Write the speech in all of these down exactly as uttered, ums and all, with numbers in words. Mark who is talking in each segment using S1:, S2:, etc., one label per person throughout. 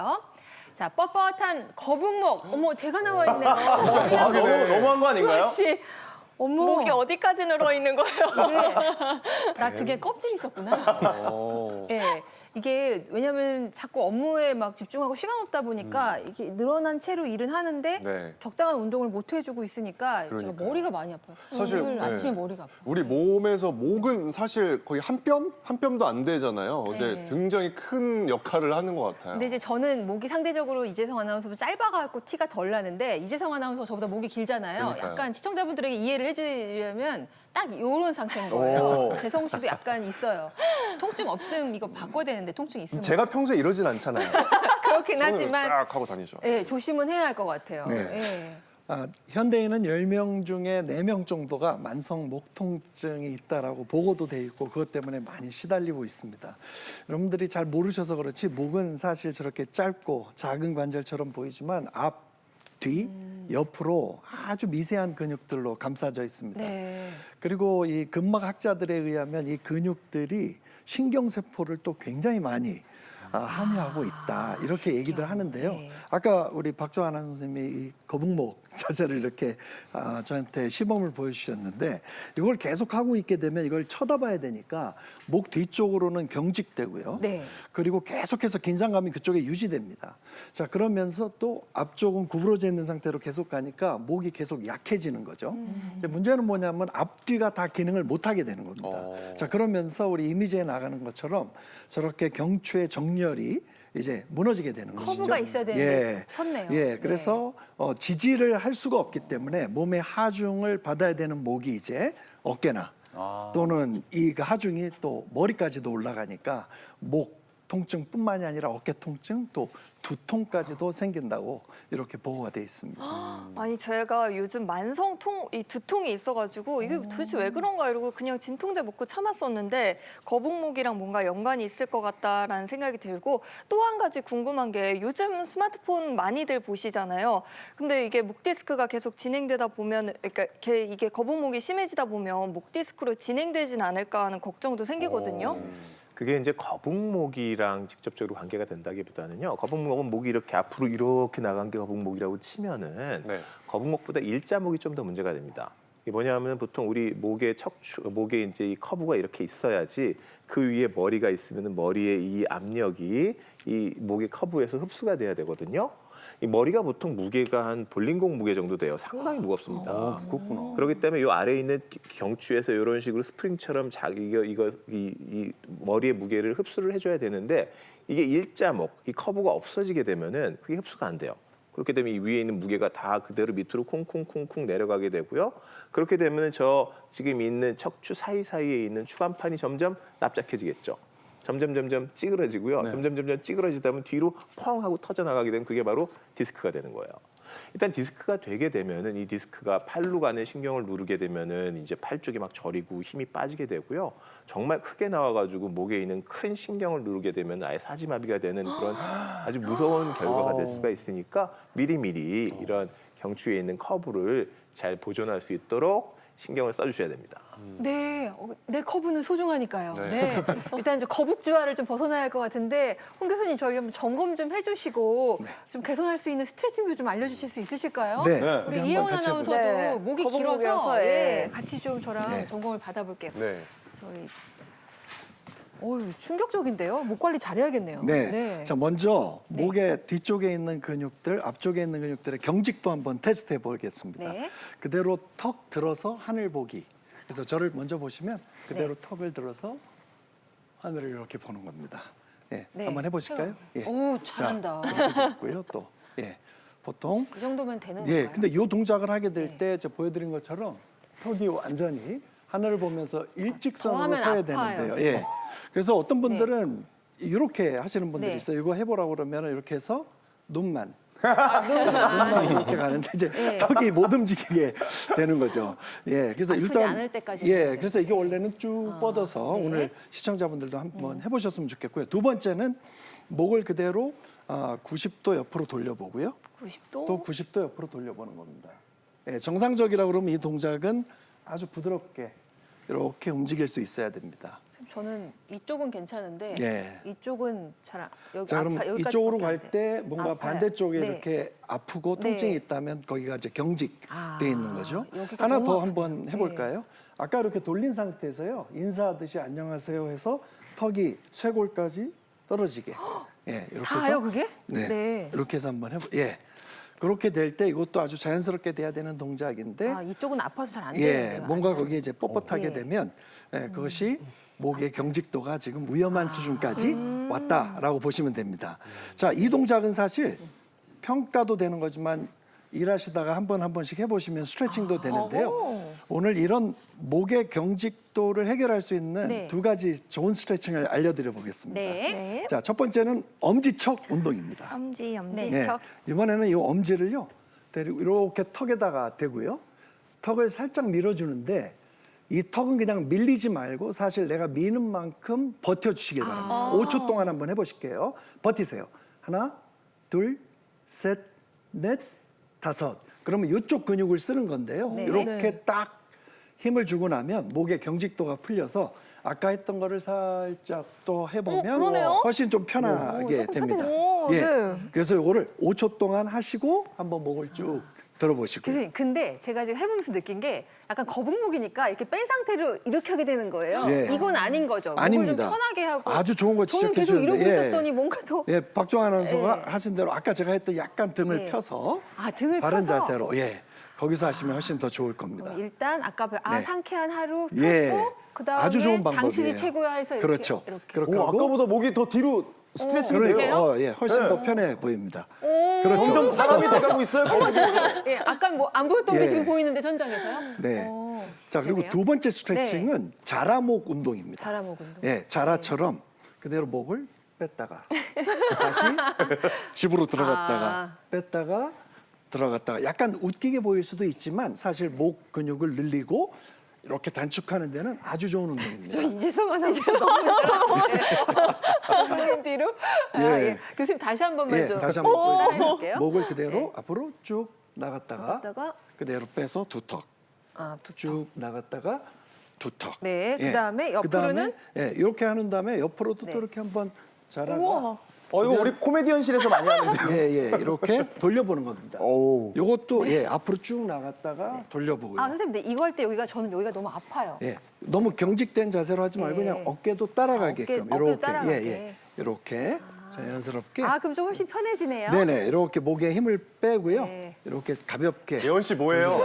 S1: 자, 뻣뻣한 거북목. 어머, 제가 나와 있네요.
S2: 진짜 너무 너무한 거 아닌가요?
S1: 주아 씨. 어머.
S3: 목이 어디까지 늘어 있는 거예요?
S1: 네. 나 등에 껍질이 있었구나. 네. 이게 왜냐면 자꾸 업무에 막 집중하고 시간 없다 보니까
S2: 음.
S1: 이게 늘어난 채로 일은 하는데
S2: 네.
S1: 적당한 운동을 못 해주고 있으니까 제가
S2: 그러니까요.
S1: 머리가 많이 아파요.
S4: 사실,
S1: 오늘
S4: 네.
S1: 아침에 머리가 아파.
S4: 우리 몸에서 목은 사실 거의 한 뼘? 한 뼘도 안 되잖아요. 근데
S1: 네.
S4: 굉장히 큰 역할을 하는 것 같아요.
S1: 근데 이제 저는 목이 상대적으로 이재성 아나운서보다 짧아갖고 티가 덜 나는데 이재성 아나운서 저보다 목이 길잖아요.
S4: 그러니까요.
S1: 약간 시청자분들에게 이해를 해주려면 딱 이런 상태인 거예요.
S2: 오.
S1: 재성 씨도 약간 있어요. 통증 없음 이거 바꿔야 되는데 통증 있으면
S4: 제가 평소에 이러진 않잖아요.
S1: 그렇긴
S4: 손을
S1: 하지만
S4: 딱 하고 다니죠.
S1: 예, 조심은 해야 할 것 같아요.
S5: 네.
S1: 예.
S5: 아, 현대인은 열 명 중에 네 명 정도가 만성 목 통증이 있다라고 보고도 돼 있고 그것 때문에 많이 시달리고 있습니다. 여러분들이 잘 모르셔서 그렇지 목은 사실 저렇게 짧고 작은 관절처럼 보이지만 앞, 뒤, 옆으로 아주 미세한 근육들로 감싸져 있습니다.
S1: 네.
S5: 그리고 이 근막 학자들에 의하면 이 근육들이 신경세포를 또 굉장히 많이 아, 함유하고 있다 이렇게 얘기들 하는데요.
S1: 네.
S5: 아까 우리 박주환 선생님이 이 거북목 자세를 이렇게 아, 저한테 시범을 보여주셨는데 이걸 계속 하고 있게 되면 이걸 쳐다봐야 되니까 목 뒤쪽으로는 경직되고요.
S1: 네.
S5: 그리고 계속해서 긴장감이 그쪽에 유지됩니다. 자 그러면서 또 앞쪽은 구부러져 있는 상태로 계속 가니까 목이 계속 약해지는 거죠. 근데 문제는 뭐냐면 앞뒤가 다 기능을 못하게 되는 겁니다.
S4: 어.
S5: 자 그러면서 우리 이미지에 나가는 것처럼 저렇게 경추의 정렬이 이제 무너지게 되는 것이죠.
S1: 커브가 있어야 되는데 섰네요.
S5: 예, 그래서 어, 지지를 할 수가 없기 때문에 몸의 하중을 받아야 되는 목이 이제 어깨나
S2: 아.
S5: 또는 이 하중이 또 머리까지도 올라가니까 목 통증뿐만이 아니라 어깨 통증 또 두통까지도 생긴다고 이렇게 보고가 돼 있습니다.
S3: 아니 제가 요즘 만성통 이 두통이 있어가지고 이게 도대체 왜 그런가 이러고 그냥 진통제 먹고 참았었는데 거북목이랑 뭔가 연관이 있을 것 같다라는 생각이 들고 또 한 가지 궁금한 게 요즘 스마트폰 많이들 보시잖아요. 근데 이게 목 디스크가 계속 진행되다 보면 그러니까 이게 이게 거북목이 심해지다 보면 목 디스크로 진행되진 않을까 하는 걱정도 생기거든요.
S6: 그게 이제 거북목이랑 직접적으로 관계가 된다기보다는요. 거북목은 목이 이렇게 앞으로 이렇게 나간 게 거북목이라고 치면은
S4: 네.
S6: 거북목보다 일자목이 좀 더 문제가 됩니다. 이게 뭐냐면 보통 우리 목의 척추, 목에 이제 이 커브가 이렇게 있어야지 그 위에 머리가 있으면 머리의 이 압력이 이 목의 커브에서 흡수가 돼야 되거든요. 이 머리가 보통 무게가 한 볼링공 무게 정도 돼요. 상당히 무겁습니다.
S4: 아, 무겁구나.
S6: 그렇기 때문에 이 아래에 있는 경추에서 이런 식으로 스프링처럼 자기 이거 이거 이, 이 머리의 무게를 흡수를 해줘야 되는데 이게 일자목, 이 커브가 없어지게 되면은 그게 흡수가 안 돼요. 그렇게 되면 이 위에 있는 무게가 다 그대로 밑으로 쿵쿵쿵쿵 내려가게 되고요. 그렇게 되면 저 지금 있는 척추 사이사이에 있는 추간판이 점점 납작해지겠죠. 점점 점점 찌그러지고요.
S4: 네.
S6: 점점 점점 찌그러지다 보면 뒤로 펑 하고 터져 나가게 되면 그게 바로 디스크가 되는 거예요. 일단 디스크가 되게 되면은 이 디스크가 팔로 가는 신경을 누르게 되면은 이제 팔 쪽이 막 저리고 힘이 빠지게 되고요. 정말 크게 나와가지고 목에 있는 큰 신경을 누르게 되면 아예 사지마비가 되는 그런 아주 무서운 결과가 될 수가 있으니까 미리미리 이런 경추에 있는 커브를 잘 보존할 수 있도록 신경을 써주셔야 됩니다.
S1: 네, 어, 내 커브는 소중하니까요. 네.
S4: 네.
S1: 일단 이제 거북주화를 좀 벗어나야 할 것 같은데 홍 교수님 저희 한번 점검 좀 해주시고 좀 개선할 수 있는 스트레칭도 좀 알려주실 수 있으실까요?
S5: 네,
S4: 네.
S1: 우리
S5: 우리
S1: 이혜원
S5: 한번 같이
S1: 아나운서도
S5: 해볼까요?
S3: 네,
S1: 목이
S3: 거북목이어서,
S1: 길어서
S3: 예.
S1: 예, 같이 좀 저랑
S5: 네.
S1: 점검을 받아볼게요.
S4: 네.
S1: 저희 어유 충격적인데요. 목 관리 잘해야겠네요.
S5: 네. 자, 먼저
S1: 네.
S5: 목의 뒤쪽에 있는 근육들, 앞쪽에 있는 근육들의 경직도 한번 테스트해 보겠습니다.
S1: 네.
S5: 그대로 턱 들어서 하늘 보기. 그래서 저를 먼저 보시면 그대로
S1: 네.
S5: 턱을 들어서 하늘을 이렇게 보는 겁니다. 예,
S1: 네.
S5: 한번 해보실까요? 예.
S1: 오, 잘한다.
S5: 자, 이렇게 됐고요. 또 예, 보통
S1: 그 정도면 되는
S5: 예,
S1: 건가요?
S5: 근데 이 동작을 하게 될
S1: 네.
S5: 때 저 보여드린 것처럼 턱이 완전히 하늘을 보면서 일직선으로
S1: 더 하면
S5: 서야
S1: 아파요,
S5: 되는데요.
S1: 지금.
S5: 예. 그래서 어떤 분들은 이렇게 하시는 분들이
S1: 네.
S5: 있어요. 이거 해보라고 그러면 이렇게 해서 눈만
S1: 아, 눈만.
S5: 눈만 이렇게 가는데 이제
S1: 네.
S5: 턱이 못 움직이게 되는 거죠. 예, 그래서
S1: 아프지
S5: 일단
S1: 않을 때까지
S5: 예,
S1: 해야 돼요.
S5: 그래서 이게 원래는 쭉 뻗어서
S1: 네.
S5: 오늘 시청자분들도 한번 해보셨으면 좋겠고요. 두 번째는 목을 그대로 아, 구십 도 옆으로 돌려보고요.
S3: 구십 도?
S5: 또 구십 도 옆으로 돌려보는 겁니다. 예, 정상적이라고 그러면 이 동작은 아주 부드럽게 이렇게 움직일 수 있어야 됩니다.
S1: 저는 이쪽은 괜찮은데
S5: 예.
S1: 이쪽은 잘 안, 여기
S5: 자, 그럼
S1: 아파, 여기까지
S5: 이쪽으로
S1: 밖에 안
S5: 갈
S1: 돼요.
S5: 때 뭔가
S1: 아파요.
S5: 반대쪽에
S1: 네.
S5: 이렇게 아프고
S1: 네.
S5: 통증이 있다면 거기가 이제 경직돼
S1: 아,
S5: 있는 거죠.
S1: 여기가
S5: 하나
S1: 너무
S5: 더
S1: 아프다.
S5: 한번 해볼까요? 아까 이렇게 돌린 상태에서요. 인사하듯이 안녕하세요 해서 턱이 쇄골까지 떨어지게. 예, 이렇게 해서
S1: 다요 그게?
S5: 네,
S1: 네.
S5: 이렇게 해서 한번 해보. 예, 그렇게 될 때 이것도 아주 자연스럽게 돼야 되는 동작인데.
S1: 아, 이쪽은 아파서 잘 안
S5: 예,
S1: 되는데요.
S5: 뭔가
S1: 아니면-
S5: 거기에 이제 뻣뻣하게
S1: 예.
S5: 되면 예, 그것이 목의 경직도가 지금 위험한 수준까지 왔다라고 보시면 됩니다. 자, 이 동작은 사실 평가도 되는 거지만 일하시다가 한 번 한 번씩 해보시면 스트레칭도 되는데요. 오늘 이런 목의 경직도를 해결할 수 있는
S1: 네.
S5: 두 가지 좋은 스트레칭을 알려드려 보겠습니다.
S1: 네.
S3: 네.
S5: 자, 첫 번째는 엄지척 운동입니다.
S3: 엄지, 엄지,
S1: 네.
S5: 예,
S3: 척.
S5: 이번에는 이 엄지를요, 데리고 이렇게 턱에다가 대고요, 턱을 살짝 밀어주는데 이 턱은 그냥 밀리지 말고 사실 내가 미는 만큼 버텨주시기 바랍니다. 오 초 동안 한번 해보실게요. 버티세요. 하나, 둘, 셋, 넷, 다섯. 그러면 이쪽 근육을 쓰는 건데요.
S1: 네.
S5: 이렇게
S3: 네.
S5: 딱 힘을 주고 나면 목의 경직도가 풀려서 아까 했던 거를 살짝 또 해보면
S3: 어, 그러네요.
S5: 훨씬 좀 편하게
S1: 조금
S5: 됩니다.
S3: 편해졌어요.
S5: 예.
S3: 네.
S5: 그래서 이거를 오 초 동안 하시고 한번 목을 쭉 들어보시고.
S1: 교수님, 근데 제가 지금 해보면서 느낀 게 약간 거북목이니까 이렇게 뺀 상태로 이렇게 하게 되는 거예요.
S5: 예.
S1: 이건 아닌 거죠.
S5: 아닙니다.
S1: 목을 좀 편하게 하고.
S5: 아주 좋은 거
S1: 저는 계속
S5: 지적해
S1: 이러고
S5: 주셨는데, 예.
S1: 있었더니 뭔가 더.
S5: 예, 박종환 아나운서가
S1: 예.
S5: 하신 대로 아까 제가 했던 약간 등을
S1: 네.
S5: 펴서
S1: 아, 등을
S5: 바른
S1: 펴서?
S5: 자세로, 예, 거기서 하시면 훨씬 더 좋을 겁니다.
S1: 일단 아까 아
S5: 네.
S1: 상쾌한 하루 펴고
S5: 예,
S1: 그다음에
S5: 아주 좋은 방법이에요.
S1: 당신이 최고야 해서 이렇게
S5: 그렇죠.
S1: 이렇게.
S5: 그렇게
S2: 오,
S5: 하고,
S2: 아까보다 목이 더 뒤로 스트레칭이
S5: 그러니까,
S2: 돼요.
S5: 어, 예, 훨씬
S2: 네.
S5: 더 편해 보입니다. 그렇죠.
S2: 점점 사람이 돼가고 있어요. 거북이.
S1: 예, 아까 뭐 안 보였던 게
S5: 예.
S1: 지금 보이는데 천장에서요?
S5: 네.
S1: 오,
S5: 자, 그리고
S1: 되네요.
S5: 두 번째 스트레칭은 자라목 운동입니다.
S1: 자라목 운동.
S5: 예, 자라처럼 그대로 목을 뺐다가 다시 집으로 들어갔다가
S1: 아.
S5: 뺐다가 들어갔다가 약간 웃기게 보일 수도 있지만 사실 목 근육을 늘리고 이렇게 단축하는 데는 아주 좋은 운동입니다.
S1: 저 이재성 아나운서 너무 잘하는데 뒤로. 아,
S5: 예.
S1: 예. 교수님 다시 한 번만
S5: 예,
S1: 좀
S5: 다시 한번 보여드릴게요.
S1: 따라해볼게요.
S5: 목을 그대로
S1: 네.
S5: 앞으로 쭉 나갔다가
S1: 나갔다가
S5: 그대로 빼서 두 턱.
S1: 아, 두
S5: 쭉 나갔다가 두 턱.
S1: 네, 그다음에 옆으로는?
S5: 그다음에, 예, 이렇게 하는 다음에 옆으로도
S1: 네.
S5: 또 이렇게 한번 자라가
S3: 우와.
S2: 어, 이거 우리 코미디언실에서 많이 하는데.
S5: 예, 예, 이렇게 돌려보는 겁니다.
S2: 오.
S5: 요것도 예, 앞으로 쭉 나갔다가 돌려보고요.
S1: 아, 선생님, 근데 이거 할 때 여기가 저는 여기가 너무 아파요.
S5: 예, 너무 경직된 자세로 하지 말고
S1: 예.
S5: 그냥 어깨도 따라가게끔
S1: 어깨- 어깨도
S5: 이렇게
S1: 따라가게.
S5: 예, 예, 이렇게 자연스럽게.
S1: 아, 그럼 좀 훨씬 편해지네요.
S5: 네네, 이렇게 목에 힘을 빼고요.
S1: 네.
S5: 이렇게 가볍게.
S2: 예원 씨 뭐예요?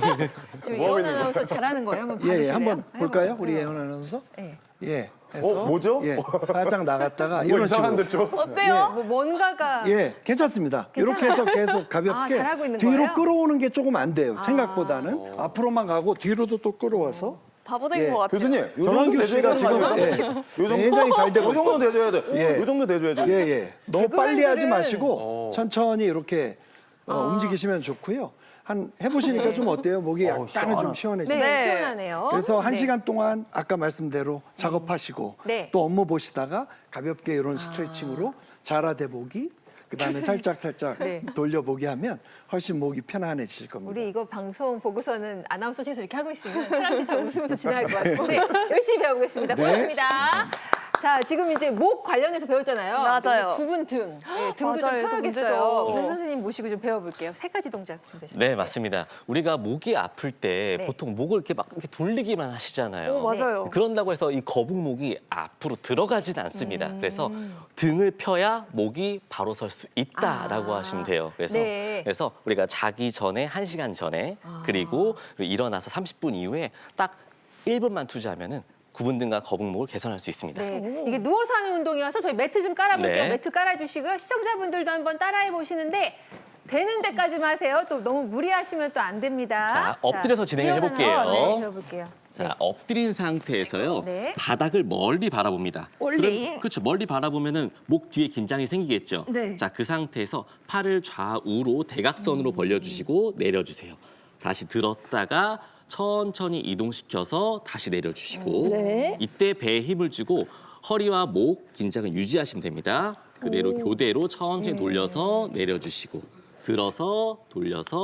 S1: 지금
S2: 뭐 하고
S1: 예원
S2: 있는
S1: 아나운서 잘하는 거예요? 한번
S5: 예, 예,
S1: 봐주실래요?
S5: 한번 볼까요,
S1: 해볼까요?
S5: 우리 예원 아나운서?
S1: 예.
S5: 예, 해서
S2: 어, 뭐죠?
S5: 예, 살짝 나갔다가
S2: 뭐
S5: 이런
S2: 이상한데
S5: 식으로.
S2: 좀.
S3: 어때요?
S1: 뭐 뭔가가
S5: 예, 괜찮습니다. 이렇게 해서 계속 가볍게
S1: 아, 잘하고 있는
S5: 뒤로
S1: 거예요? 아.
S5: 끌어오는 게 조금 안 돼요. 생각보다는 앞으로만 가고 뒤로도 또 끌어와서.
S3: 바보 된
S5: 예.
S3: 것 같아요.
S2: 교수님, 요 정도
S5: 전환규
S2: 대줘야
S5: 씨가
S2: 되는 거
S5: 지금
S2: 아니에요?
S5: 예,
S2: 요 정도?
S5: 굉장히 잘 되고
S2: 요 정도
S5: 있어요.
S2: 대줘야 돼.
S5: 예.
S2: 요 정도 대줘야죠.
S5: 예, 예. 너무
S1: 개그
S5: 빨리 하지
S1: 멘트를-
S5: 마시고 천천히 이렇게 어, 움직이시면 좋고요. 한 해보시니까 좀 어때요? 목이 약간은 좀 시원해지죠.
S1: 네,
S3: 네.
S1: 시원하네요.
S5: 그래서 한
S1: 네.
S5: 시간 동안 아까 말씀대로 작업하시고
S1: 네.
S5: 또 업무 보시다가 가볍게 이런 스트레칭으로 자라대보기 그다음에 살짝 살짝
S1: 네.
S5: 돌려보기 하면 훨씬 목이 편안해질 겁니다.
S1: 우리 이거 방송 보고서는 아나운서실에서 이렇게 하고 있으면 사람들이 다 웃으면서 지나갈 것 같은데 열심히 배워보겠습니다.
S5: 네.
S1: 고맙습니다. 자, 지금 이제 목 관련해서 배웠잖아요.
S3: 맞아요.
S1: 구분 등. 네, 등도 좀
S3: 맞아요.
S1: 펴야겠어요.
S3: 문제죠.
S1: 우선 선생님 모시고 좀 배워볼게요. 세 가지 동작 준비하셨죠?
S7: 네, 맞습니다. 우리가 목이 아플 때
S1: 네.
S7: 보통 목을 이렇게 막 이렇게 돌리기만 하시잖아요.
S3: 오, 맞아요.
S7: 그런다고 해서 이 거북목이 앞으로 들어가진 않습니다. 그래서 등을 펴야 목이 바로 설 수 있다라고
S1: 아.
S7: 하시면 돼요. 그래서
S1: 네.
S7: 그래서 우리가 자기 전에 한 시간 전에 그리고 일어나서 삼십 분 이후에 딱 일 분만 투자하면은 구분 등과 거북목을 개선할 수 있습니다.
S1: 네. 이게 누워서 하는 운동이어서 저희 매트 좀 깔아볼게요.
S7: 네.
S1: 매트 깔아주시고요. 시청자분들도 한번 따라해 보시는데 되는 데까지만 하세요. 또 너무 무리하시면 또 안 됩니다.
S7: 자, 엎드려서 진행을
S1: 일어나서,
S7: 해볼게요.
S1: 네, 배워볼게요.
S7: 자, 엎드린 상태에서요.
S1: 네.
S7: 바닥을 멀리 바라봅니다.
S3: 멀리?
S7: 그럼, 그렇죠. 멀리 바라보면은 목 뒤에 긴장이 생기겠죠.
S3: 네.
S7: 자, 그 상태에서 팔을 좌우로 대각선으로 벌려주시고 내려주세요. 다시 들었다가 천천히 이동시켜서 다시 내려주시고
S3: 네.
S7: 이때 배에 힘을 주고 허리와 목 긴장을 유지하시면 됩니다. 그대로 교대로 천천히 돌려서 내려주시고 들어서 돌려서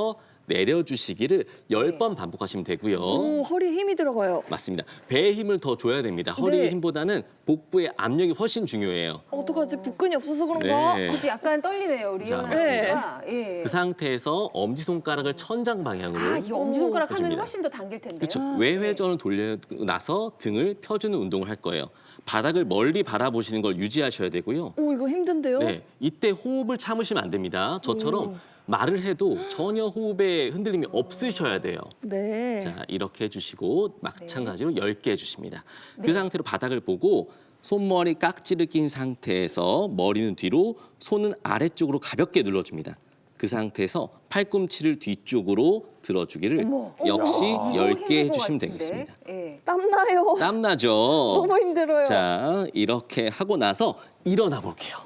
S7: 내려주시기를 열
S1: 네.
S7: 번 반복하시면 되고요.
S3: 오, 허리에 힘이 들어가요.
S7: 맞습니다. 배에 힘을 더 줘야 됩니다. 허리의
S3: 네.
S7: 힘보다는 복부의 압력이 훨씬 중요해요.
S3: 어떡하지? 복근이 없어서 그런가?
S7: 네.
S1: 그치 약간 떨리네요 우리
S7: 자,
S1: 일어났으니까. 예.
S7: 그 상태에서 엄지손가락을 천장 방향으로
S1: 아 이거 엄지손가락 하면
S7: 해줍니다.
S1: 훨씬 더 당길 텐데요.
S7: 그렇죠. 외회전을 돌리고 나서 등을 펴주는 운동을 할 거예요. 바닥을 멀리 바라보시는 걸 유지하셔야 되고요.
S3: 오, 이거 힘든데요?
S7: 네, 이때 호흡을 참으시면 안 됩니다. 저처럼 말을 해도 전혀 호흡에 흔들림이 없으셔야 돼요.
S3: 네.
S7: 자, 이렇게 해주시고 마찬가지로 열 개 해주십니다. 그 상태로 바닥을 보고 손머리 깍지를 낀 상태에서 머리는 뒤로, 손은 아래쪽으로 가볍게 눌러줍니다. 그 상태에서 팔꿈치를 뒤쪽으로 들어주기를 역시 열 개 해주시면 되겠습니다.
S1: 예.
S3: 땀나요.
S7: 땀나죠?
S3: 너무 힘들어요.
S7: 자, 이렇게 하고 나서 일어나 볼게요.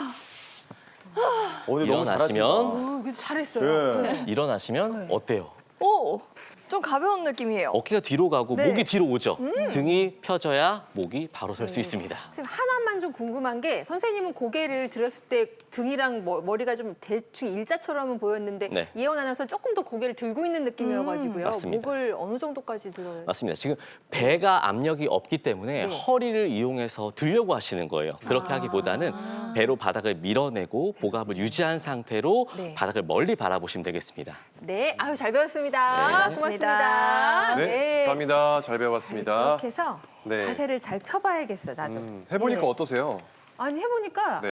S2: 오늘 너무
S7: 일어나시면
S1: 어, 그래도 잘했어요.
S2: 예.
S1: 네.
S7: 일어나시면 어때요?
S3: 오, 좀 가벼운 느낌이에요.
S7: 어깨가 뒤로 가고
S3: 네.
S7: 목이 뒤로 오죠. 등이 펴져야 목이 바로 설 수 있습니다.
S1: 지금 하나만 좀 궁금한 게 선생님은 고개를 들었을 때 등이랑 머- 머리가 좀 대충 일자처럼은 보였는데
S7: 네.
S1: 예원 아나운서 조금 더 고개를 들고 있는 느낌이어가지고요.
S7: 맞습니다.
S1: 목을 어느 정도까지 들어요?
S7: 맞습니다. 지금 배가 압력이 없기 때문에
S1: 네.
S7: 허리를 이용해서 들려고 하시는 거예요. 그렇게 하기보다는 배로 바닥을 밀어내고 복압을 유지한 상태로
S1: 네.
S7: 바닥을 멀리 바라보시면 되겠습니다.
S1: 네, 아유 잘 배웠습니다.
S7: 네,
S1: 고맙습니다.
S4: 네, 감사합니다. 잘 배워봤습니다.
S1: 이렇게 해서
S4: 네.
S1: 자세를 잘 펴봐야겠어, 나도.
S4: 음, 해보니까
S1: 예.
S4: 어떠세요?
S1: 아니 해보니까